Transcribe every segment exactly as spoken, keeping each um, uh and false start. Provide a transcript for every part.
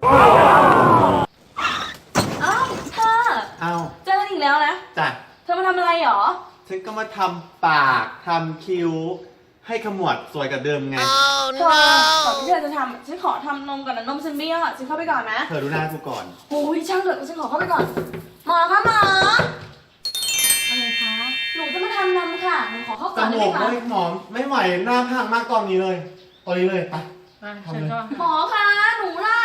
อ้าวเธอเอาเจอกันอีกแล้วนะจ้ะเธอมาทำอะไรหรอฉันก็มาทำปากทำคิ้ว ให้ขมวดสวยกับเดิมไงเธอก่อนที่เธอจะทำฉันขอทำนมก่อนนะนมฉันเบี้ยวอ่ะฉันเข้าไปก่อนนะเธอดูหน้ากูก่อนโอ้ยช่างเถอะฉันขอเข้าไปก่อน หมอคะหมออะไรคะหนูจะมาทำนมค่ะหนูขอเข้าจก่อนได้มูไหมกคะไม่หมอไม่ไหวหน้าพังมากตอนนี้เลย ตอนนี้เลยไป ทำเลยหมอคะหนูล่ะ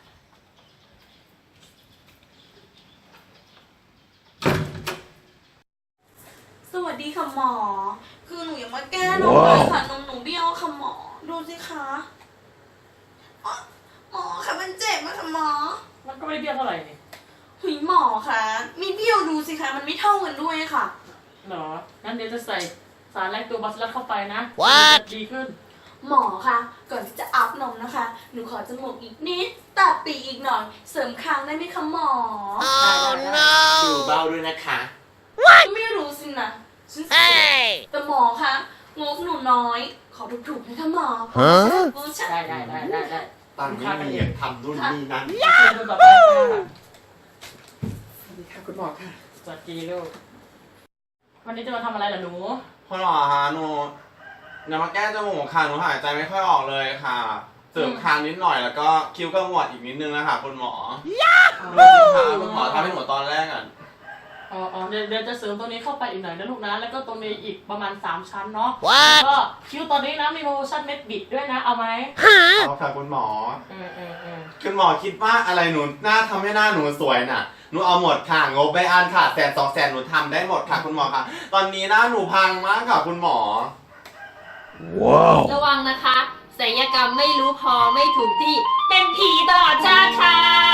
สวัสดีค่ะหมอ คือหนูอยากมาแก้นมเลยค่ะนมหนูเบี้ยวค่ะหมอดูสิคะอ๋อหมอคะมันเจ็บมากค่ะหมอมันก็ไม่ได้เบี้ยวเท่าไหร่นี่หุยหมอคะมีเบี้ยวดูสิคะมันไม่เท่ากันด้วยค่ะเหรอ งั้นเดี๋ยวจะใส่สารแลคโตบาซิลลัสเข้าไปนะ What? จะดีขึ้นหมอคะก่อนที่จะอัพนมนะคะ หนูขอจมูกอีกนิดตัดปีกอีกหน่อย เสริมคางได้ไหมคะหมอ Oh คิ้ว no! เบ้าด้วยนะคะไม่รู้สินะฉันสวย Hey! แต่หมอคะงบหนูน้อย ขอถูกๆนะคะหมอฮะโอ้ใช่ได้ได้ได้ได้ได้ตังค์ไม่มีทำรุ่นนี้นั้นเชิญคนต่อไปค่ะสวัสดีค่ะคุณหมอค่ะสวัสดีลูก วันนี้จะมาทำอะไรล่ะหนูคุณหมอคะหนูอย่ามาแก้จมูกค่ะหนูหายใจไม่ค่อยออกเลยค่ะ เสริมคางนิดหน่อยแล้วก็คิ้วขมวดอีกนิดนึงนะคะคุณหมอดูสิคะคุณหมอทำให้หนูตอนแรกอ่ะอ๋ออ๋อเดี๋ยวเดี๋ยวจะเสริมตรงนี้เข้าไปอีกหน่อยนะลูกนะ แล้วก็ตรงนี้อีกประมาณสามชั้นเนาะ What? แล้วก็คิ้วตอนนี้นะมีโปรโมชั่นเม็ดบิดด้วยนะ เอาไหม Huh? เอาค่ะคุณหมอเออเออเออคุณหมอคิดว่าอะไรหนูหน้าทำให้หน้าหนูสวยน่ะหนูเอาหมดค่ะงบไปอันค่ะแสนสองแสนหนูทำได้หมดค่ะคุณหมอค่ะ ตอนนี้หน้าหนูพังมากค่ะคุณหมอ Wow! ระวังนะคะศัลยกรรมไม่รู้พอไม่ถูกที่ เป็นผีตลอดชาติค่ะ